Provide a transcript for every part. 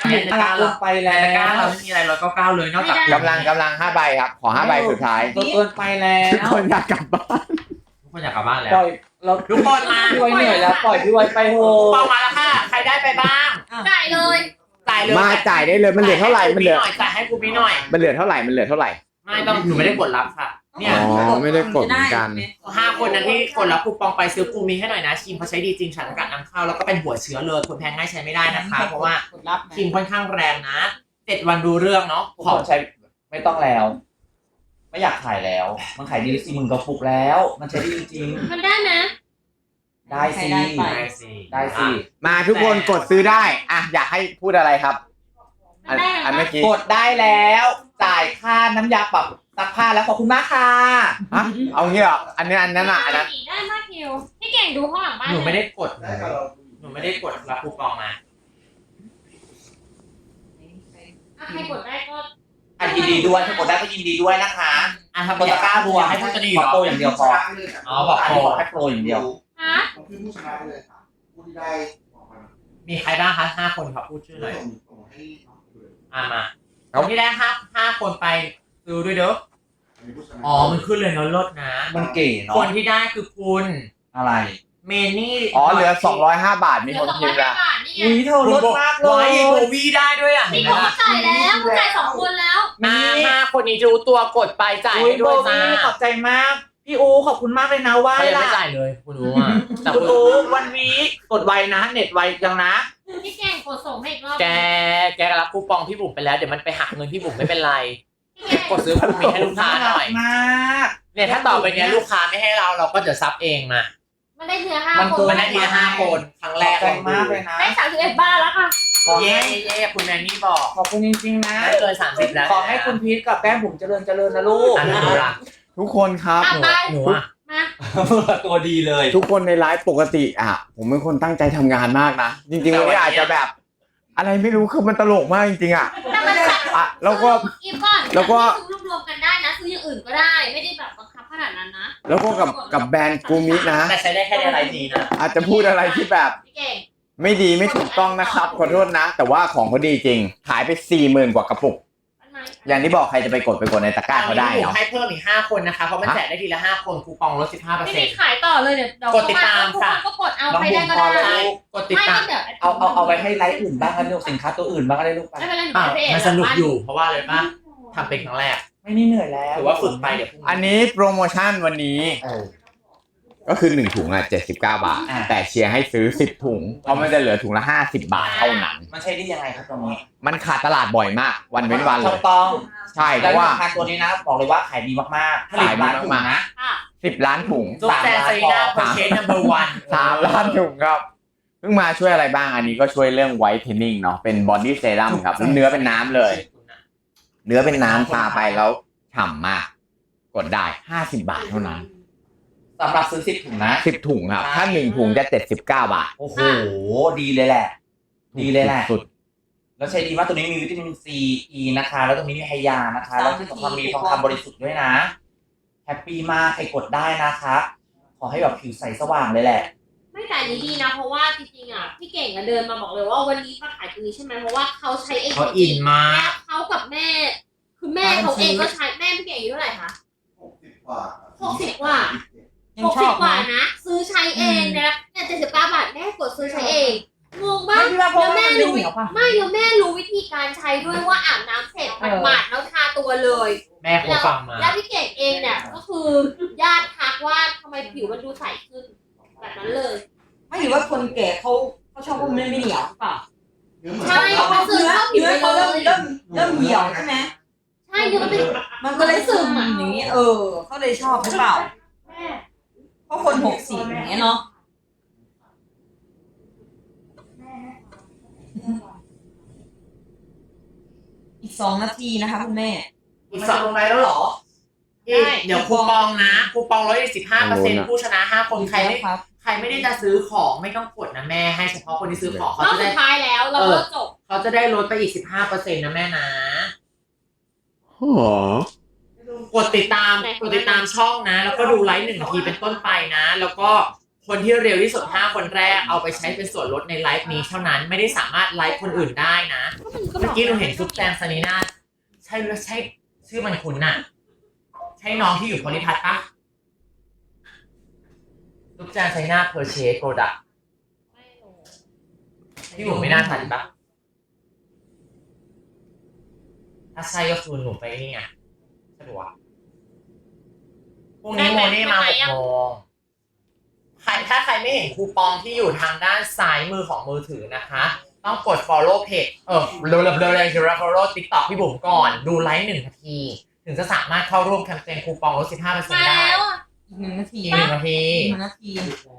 ในตะกร้าเราไปแล้วในตะกร้าเราไม่มีอะไร199เลยนอกจากกำลัง5 ใบครับขอ5 ใบสุดท้ายเกินไปแล้วทุกคนอยากกลับบ้านทุกคนอยากกลับบ้านแล้วปล่อยเราทุกคนมาพี่ไว้เหนื่อยแล้วปล่อยพี่ไว้ไปโหปองมาแล้วค่ะใครได้ไปบ้างจ่ายเลยจ่ายเลยมาจ่ายได้เลยมันเหลือเท่าไหร่มันเหลือจ่ายให้กูพี่หน่อยมันเหลือเท่าไหร่ไม่ต้องหนูไม่ได้กดรับค่ะเนี่ยอ๋อไม่ได้กดเหมือนกัน 5 คนนั้นที่กดรับคูปองไปซื้อกูมีให้หน่อยนะครีมเขาใช้ดีจริงสารสกัดนำเข้าแล้วก็เป็นหัวเชื้อเลยคนแพ้ง่ายใช้ไม่ได้นะคะเพราะว่าครีมค่อนข้างแรงนะ7 วันดูเรื่องเนาะขอใช้ไม่ต้องแล้ว ไม่อยากขายแล้วมันขายดี40,000กระปุกแล้ว มันใช้ดีจริงมันได้นะได้สิ ได้สิมาทุกคนกดซื้อได้อ่ะอยากให้พูดอะไรครับอันเมื่อกี้กดได้แล้วจ่ายค่าน้ำยาปรับซักผ้าแล้วขอบคุณมากค่ะฮะเอางี้เหรออันนั้นอ่ะอันนั้นได้มากคิวพี่เก่งดูข้างหลังบ้านหนูไม่ได้กดหนูไม่ได้กดรับคูปองมาใครกดได้ก็ยินดีด้วยถ้ากดได้ก็ยินดีด้วยนะคะทำตะกร้ารัวให้พูดจะดีขอโปรอย่างเดียวพออ๋อบอกอันโปรนี้ขอแค่โปรอย่างเดียวฮะผมคือผู้ชนะไปเลยค่ะผู้ที่ได้บอกมามีใครบ้างคะ5 คนครับพูดชื่อหน่อยส่งให้น้องดูเลยมาคนที่ได้5 คนไปดูด้วยเด้ออันนี้ผู้ชนะอ๋อมันขึ้นเลยเนาะลดนะมันเก๋เนาะคนที่ได้คือคุณอะไรเมนี่อ๋อเหลือ205 บาทมีคนพิมพ์ละนี่ไงอุ้ยเธอลดมากเลร้อยยโบวีได้ด้วยอ่ะนี่ผมจ่ายแล้วผมจ่าย2 คนแล้ว 5 คนนี้ดูตัวกดไปจ่ายอุ้ยให้โบด้วยจ้าวี่ขอบใจมาก พี่อูขอบคุณมากเลยนะว่าเขายังล่ะไม่จ่ายเลยคุณรู้อ่ะแต่คุณคุณอูวันวีกดไวนะเน็ตไวจังนะพี่เก่งกดส่งให้อีกรอบแกรับคูปองพี่บุ๋มไปแล้วเดี๋ยวมันไปหักเงินพี่บุ๋มไม่เป็นไรพี่เก่งกดซื้อคูมีให้ลูกค้าหน่อยมากเนี่ยถ้าต่อไปเนี้ยลูกค้าไม่ให้เราก็จะซับเองมามันได้เนื้อมัน 5 คเกินมันได้ทีละ5 คนครั้งแรกขอบใจมากเลยนะได้31 บาทแล้วค่ะเย่คุณแมนนี่บอกขอบคุณจริงๆนะได้เกิน30แล้วขอให้คุณพีทกับแก้มบุ๋มเจริญนะลูกอันนั้นหนูรักทุกคนครับหนูอ่ะมาตัวดีเลยทุกคนในไลฟ์ปกติอ่ะผมเป็นคนตั้งใจทำงานมากนะจริงๆวันนี้อาจจะแบบ อะไรไม่รู้คือมันตลกมากจริงๆอ่ะแต่มันอ่ะแล้วก็อีฟก่อนแล้วก็ซื้อรวมๆกันได้นะซื้ออย่างอื่นก็ได้ไม่ได้แบบบังคับขนาดนั้นนะแล้วก็กับแบรนด์กูมินะแต่ใช้ได้แค่ในไลฟ์นี้นะอาจจะพูดอะไรที่แบบพี่เก่งไม่ดีไม่ถูกต้องนะครับขอโทษนะ แต่ว่าของเขาดีจริง ขายไป 40,000 กว่ากระปุกมันไหมอย่างที่บอกใครจะไปกดในตะกร้าเขาได้เนาะให้เพิ่มอีก5 คนนะคะเพราะมันแจกได้ทีละ5 คนคูปองลดไม่ได้ขายต่อเลยเดี๋ยวกดติดตามค่ะก็กดเอาน้องใครบุ๋ได้มก็พอได้แล้วใช่ลูกกดติดไม่ตามเดี๋ยวเอาไว้ให้ไลฟ์อื่นบ้างนะลูกสินค้าตัวอื่นบ้างก็ได้ลูกไปไม่เป็นไรหนูอ่ะไปเพจมันสนุกอยู่เพราะว่าอะไรป่ะทำเป็นครั้งแรกไม่นี่เหนื่อยแล้วถือว่าฝึกไปเดี๋ยวพรุ่งอันนี้โปรโมชั่นวันนี้ก็คือ1 ถุงอ่ะ79 บาท แต่เชียร์ให้ซื้อ10 ถุงเพราะมันจะเหลือถุงละ50 บาทเท่านั้นมันใช้ได้ยังไงครับตรงนี้มันขาดตลาดบ่อยมาก วันเว้นวันเลถูยกต้องใช่เพแล้วราะว่าราคาตัวนี้นะบอกเลยว่าขายดีมากๆผลิตร้านถูกนะค่ะ 10 ล้านถุงจุ๊บแจนซีน่าโปรเชนนัมเบอร์วัน 3 ล้านถุงครับเพิ่งมาช่วยอะไรบ้างอันนี้ก็ช่วยเรื่องไวท์เทนนิ่งเนาะเป็นบอดี้เซรั่มครับเนื้อเป็นน้ำเลย เนื้อเป็นน้ำทาไปแล้วฉ่ำมาก กดได้50 บาทเท่านั้นสำหรับซื้อ10 ถุงนะ 10 ถุงครับถ้า1 ถุงจะ79 บาทโอ้โห ดีเลยแหละ ดีเลยแหละสุดแล้วใช้ดีมากตัวนี้มีวิตามินซีอีนะคะ แล้วตรงนี้มีไฮยานะคะ แล้วที่สำคัญมีทองคำบริสุทธิ์ด้วยนะ แฮปปี้มากใครกดได้นะคะ ขอให้แบบผิวใสสว่างเลยแหละไม่แต่อันนี้ดีนะเพราะว่าจริงๆอ่ะพี่เก่งอะเดินมาบอกเลยว่าวันนี้มาขายตรงนี้ใช่ไหมเพราะว่าเขาใช้เองเขาอินมาแม่กเขากับแม่ คือแม่เขาเองก็ใช้แม่พี่เก่งอายุเท่าไหร่คะ 60 กว่า 60 กว่า 60 กว่านะ ซื้อใช้เองนะเนี่ย79 บาทแม่กดซื้อใช้เองงงมากแล้วแม่รู้ไม่แล้วแม่รู้วิธีการใช้ด้วยว่าอาบน้ำเสร็จมันหมาดแล้วทาตัวเลยแม่คงฟังมาแล้วพี่เก่งเองเนี่ยก็คือญาติทักว่าทำไมผิวมันดูใสขึ้นแบบนั้นเลยไม่หรือว่าคนแก่เขาชอบว่ามันไม่เหนียวหรือเปล่าใช่เขาซื้อเข้าผิวเนื้อไปเขาเลเริ่มยเริ่มเหี่ยวใช่ไหมใช่เนื้อมันเป็นมันก็เลยซึมอย่างนี้เขาเลยชอบหรือเปล่าเพราะคน60อย่างเงี้ยเนาะอีก2 นาทีนะคะคุณแม่อีก2ลงในแล้วเหรอเดี๋ยวคูปองนะคูปองลดอีก15%ผู้ชนะ5 คนใครไม่ครับใครไม่ได้จะซื้อของไม่ต้องกดนะแม่ให้เฉพาะคนที่ซื้อของเขารอบจะสุได้ดท้ายแล้วเราก็จบเขาจะได้ลดไปอีก15%นะแม่นะอ๋อกดติดตามช่องนะ แล้วก็ดูไลฟ์1 ทีเป็นต้นไปนะ แล้วก็โคคนที่เร็วที่สุด5คนแรกเอาไปใช้เป็นส่วนลดในไลฟ์นี้เท่านั้นไม่ได้สามารถไลฟ์คนอื่นได้นะเมื่อกี้เราเห็นซุปแจงซานีนาใช่หรือใช่ชื่อมันคุ้นน่ะใช่น้องที่อยู่โพลิพัทปะซุปแจงซานีนาเพอร์เชสโปรดักต์ที่ผมไม่น่าทันปะถ้าใช่ก็คือหนูไปนี่ไงสะดวกพรุ่งนี้โมเน่มา6 โมงถ้าใครไม่เห็นคูปองที่อยู่ทางด้านซ้ายมือของมือถือนะคะ ต้องกด follow page เร็วๆ follow TikTok พี่บุ๋มก่อน ดูไลฟ์1 นาที ถึงจะสามารถเข้าร่วมแคมเปญคูปองลด 15% มาได้แล้วอ่ะอีก1 นาทีอีก1 นาทีอีก1 นาที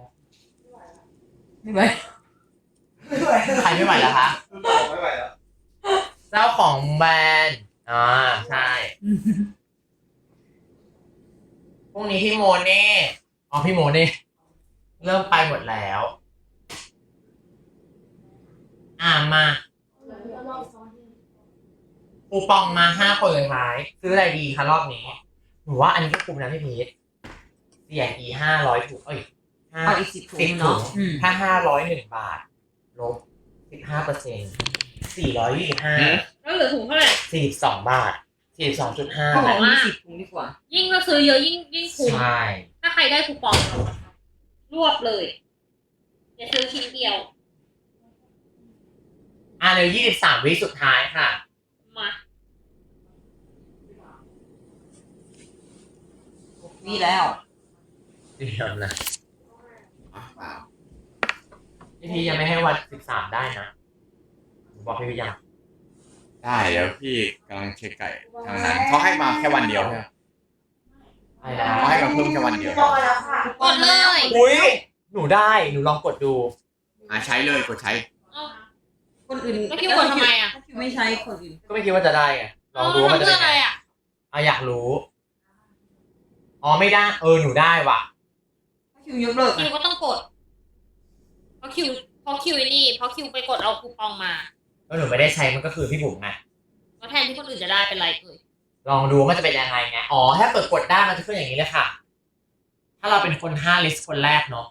ไม่ไหวใครไม่ไหวแล้วคะไม่ไหวแล้วเจ้าของแบรนด์ใช่ พรุ่งนี้พี่โมเน่พี่โมเน่เริ่มไปหมดแล้วมาคูปองมา5 คนเลยท้ายซื้ออะไรดีคะรอบนี้หนูว่าอันนี้ก็คุ้มนะพี่พีทเสียอี500ถุงเอาอีก10 ถุง 10 ถุเนาะงถ้า501 บาทลบ 15% 425 แล้วเหลือถุงเท่าไหร่ 42 บาท 42.5 เขาบอกว่า 20 ถุงดีกว่ายิ่งเราซื้อเยอะยิ่งคุ้มใช่ถ้าใครได้คูปองรวบเลยอย่าซื้อชิ้นเดียวเร็ว23 วิสุดท้ายค่ะมานี่แล้วเดี๋ยวนะเปล่าพี่พียังไม่ให้วัน13ได้นะบอกพี่พียังได้เดี๋ยวพี่กำลังเช็คไก่ทางนั้นเขาให้มาแค่วันเดียวใช่ไหมไปแล้วเขาให้มาเพิ่มแค่วันเดียวกดเลยอุ้ยหนูได้หนูลองกดดูใช้เลยกดใช้คนอื่นแล้วคิวกดทำไมอ่ะถ้าคิวไม่ใช้คนอื่นก็ไม่คิดว่าจะได้ไงลองดูว่ามันจะเพื่เป็อน อะไรไงอ่ะอยากรู้ไม่ได้หนูได้ว่ะถ้าคิวยกเลิกคิวก็ต้องกด เพราะคิวนี่เพราะคิวไปกดเอาคูปองมาแล้วหนูไม่ได้ใช้มันก็คือพี่บุ๋มไงแล้วแทนที่คนอื่นจะได้เป็นไรเอ่ยลองดูว่ามันจะเป็นยังไงไงถ้าเปิดกดได้มันจะขึ้นอย่างนี้เลยค่ะ ถ้าเราเป็นคน5 ลิสต์คนแรกเนาะ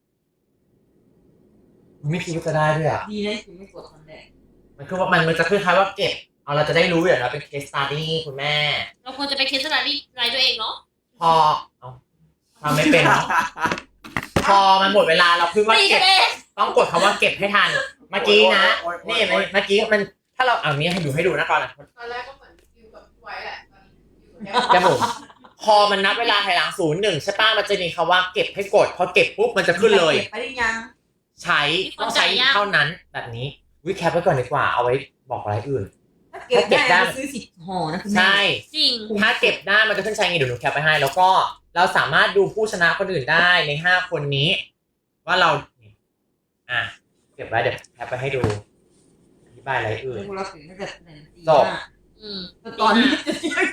ไม่คิดว่าจะได้ด้วยอ่ะดีนะคิวไม่กดตอนแรกมันคือว่ามันจะคล้ายๆว่าเก็บเราจะได้รู้อย่างเราเป็น case study คุณแม่เราควรจะไปเคสสตัดดี้รายตัวเองเนาะพอทำไม่เป็นเนาะพอมันหมดเวลาเราคือว่าไม่เก็บใช่ต้องกดคำว่าเก็บให้ทัน เมื่อกี้นะนี่เมื่อกี้มันถ้าเราเอานี้ให้ดูนะก่อนนะตอนแรกก็เหมือนฟิวกับไว้แหละตอนนี้อยู่จมูกพอมันนับเวลาถอยหลัง0-1ใช่ป้ะมันจะมีคำว่าเก็บให้กดพอเก็บปุ๊บมันจะขึ้นเลยเก็บไปได้ยังใช้ต้องใช้เท่านั้นแบบนี้วิแคปไว้ก่อนดีกว่าเอาไว้บอกอะไรอื่นถ้าเก็บได้ซื้อ10 ห่อนะคุณแม่ใช่จริงถ้าเก็บได้มันจะขึ้นใช้ไงเดี๋ยวหนูแคปไปให้ แล้วก็เราสามารถดูผู้ชนะคนอื่นได้ใน5 คนนี้ ว่าเราเก็บไว้เดี๋ยวแคปไปให้ดูอธิบายอะไรอื่นพวกเราถึงถ้าเกิดไหนจบแต่ตอนนี้จะเที่ยง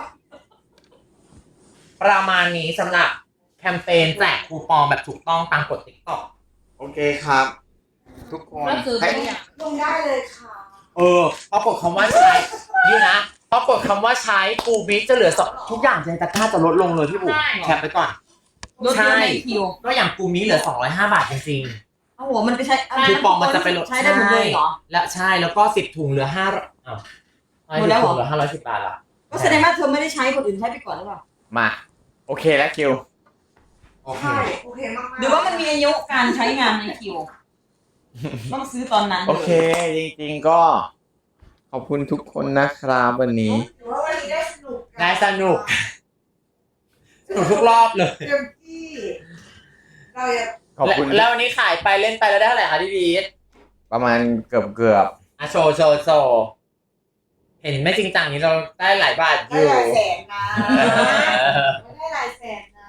ประมาณนี้สำหรับแคมเปญแจกคูปองแบบถูกต้องตามกฎ TikTok โอเคครับ ทุกคนก็ซื้อไปให้อย่างลงได้เลยค่ะพอกดคำว่าใช้นี่นะพอกดคำว่าใช้กูบิ๊กจะเหลือ2ทุกอย่างในตะกร้าจะลดลงเลยพี่บุ๋มแคปไปก่อนลดเยอะในคิวก็อย่างกูมิ้เหลือ205 บาทจริงเอาหัวมันไปใช้คูปองมันจะไปลดใช้ได้หมดเลยเหรอๆและใช่แล้วก็10 ถุงเหลือ5 หมดแล้วเหรอเหลือ510 บาทละก็แสดงว่าเธอไม่ได้ใช้คนอื่นใช้ไปก่อนหรือเปล่ามาโอเคแล้วคิวโอเคใช่โอเคมากๆหรือว่ามันมีอายุการใช้งานในคิวต้องซื้อตอนนั้นลยโอเคจริงๆก็ขอบคุณทุกคนนะครับวันนี้หรือว่าวันนี้ได้สนุกกัได้สนุกทุกรอบเลยเต็มที่เราอยากขอบคุณแล้ววันนี้ขายไปเล่นไปแล้วได้เท่าไหร่คะพี่บีทประมาณเกือบโชว์เห็นไม่จริงจังนี้เราได้หลายบาทอได้ยู่หลายแสนนะได้หลายแสนนะ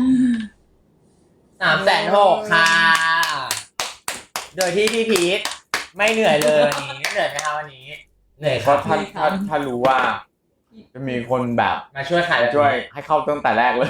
360,000ค่ะ โดยที่พี่พีทไม่เหนื่อยเลยวันนี้เหนื่อยไหมคะวันนี้เหนื่อยเพครัราะบถ้ารู้ว่า จะมีคนแบบมาช่วยขายแบบนี้ช่วยให้เข้าตั้งแต่แรกเลย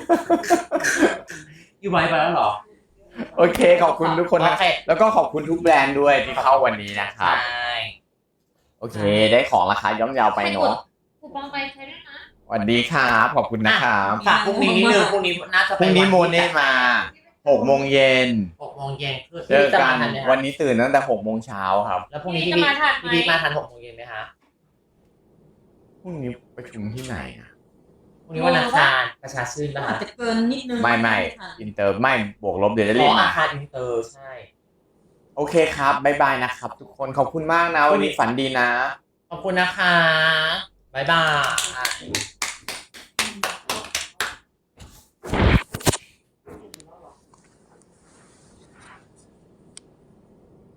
อยู่ไว้ไปแล้วเหรอโอเคขอบคุณทุกคนนะโอเคแล้วก็ขอบคุณทุกแบรนด์ด้วยที่เข้าวันนี้นะคใช่รับ โอเค ได้ของราคาย่อมเยาวไปเนาะคูปองไปใช้ด้วยนะสวัสดีครับขอบคุณนะครับฝากพรุ่งนี้นิดนึงพรุ่งนี้น่าจะพรุ่งนี้โมเน่มา 6 โมงเย็น 6 โมงเย็นคือเจอจะกัมาน ทันไหมวัคะนนี้ตื่นตั้งแต่6 โมงเช้าครับแล้วพรุ่งนี้พี่พี่จะมาทันไหมพี่มาทัน6 โมงเย็นไหมคะพรุ่งนี้ประชุมที่ไหนอ่ะพรุ่งนี้วันอังคารประชาชื่นป่ะอาคะจจะเกินนิดนึงไม่อินเตอร์ไม่บวกลบเดี๋ยวจะอ๋รีอบ อามาคารอินเตอร์ใช่โอเคครับบ๊ายบายนะครับ ทุกคนขอบคุณมากนะ วันนี้ฝันดีนะขอบคุณนะคะบ๊ายบาย